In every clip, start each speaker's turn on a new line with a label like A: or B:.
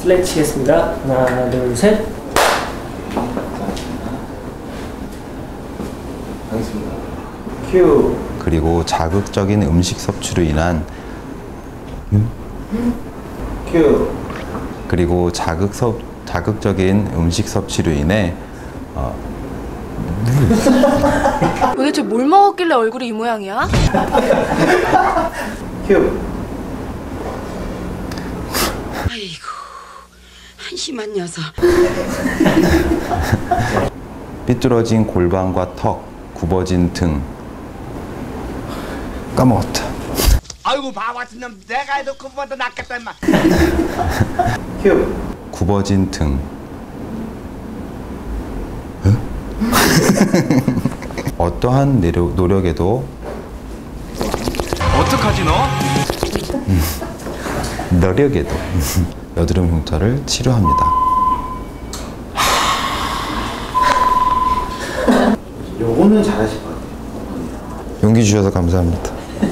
A: 슬랙 치겠습니다. 하나, 둘, 셋.
B: 하겠습니다. 큐.
C: 그리고 자극적인 음식 섭취로 인한
B: 큐.
C: 그리고 자극적인 음식 섭취로 인해
D: 도대체 뭘 먹었길래 얼굴이 이 모양이야?
B: 큐.
E: 아이고, 한심한 녀석.
C: 삐뚤어진 골반과 턱, 굽어진 등. 까먹었다.
F: 아이고 바보 같은 놈, 내가 해도 그보다 낫겠다 임마.
B: 큐.
C: 굽어진 등. 어떠한 노력에도
F: 어떡하지 너?
C: 노력에도 여드름 흉터를 치료합니다.
B: 요거는 잘하실 것 같아요.
C: 용기 주셔서 감사합니다.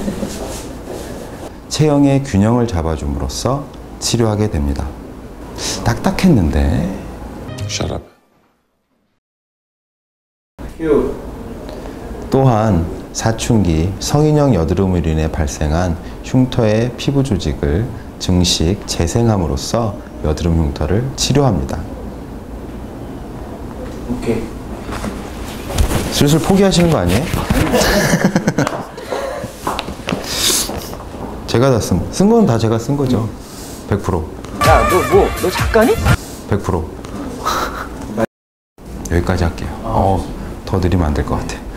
C: 체형의 균형을 잡아줌으로써 치료하게 됩니다. 딱딱했는데.
G: Shut up.
B: 큐.
C: 또한 사춘기, 성인형 여드름으로 인해 발생한 흉터의 피부 조직을 증식, 재생함으로써 여드름 흉터를 치료합니다.
B: 오케이.
C: 슬슬 포기하시는 거 아니에요? 제가 다 쓴 건 다 제가 쓴 거죠. 100%.
A: 야, 너 작가니?
C: 100%. 여기까지 할게요. 더 느리면 안 될 것 같아.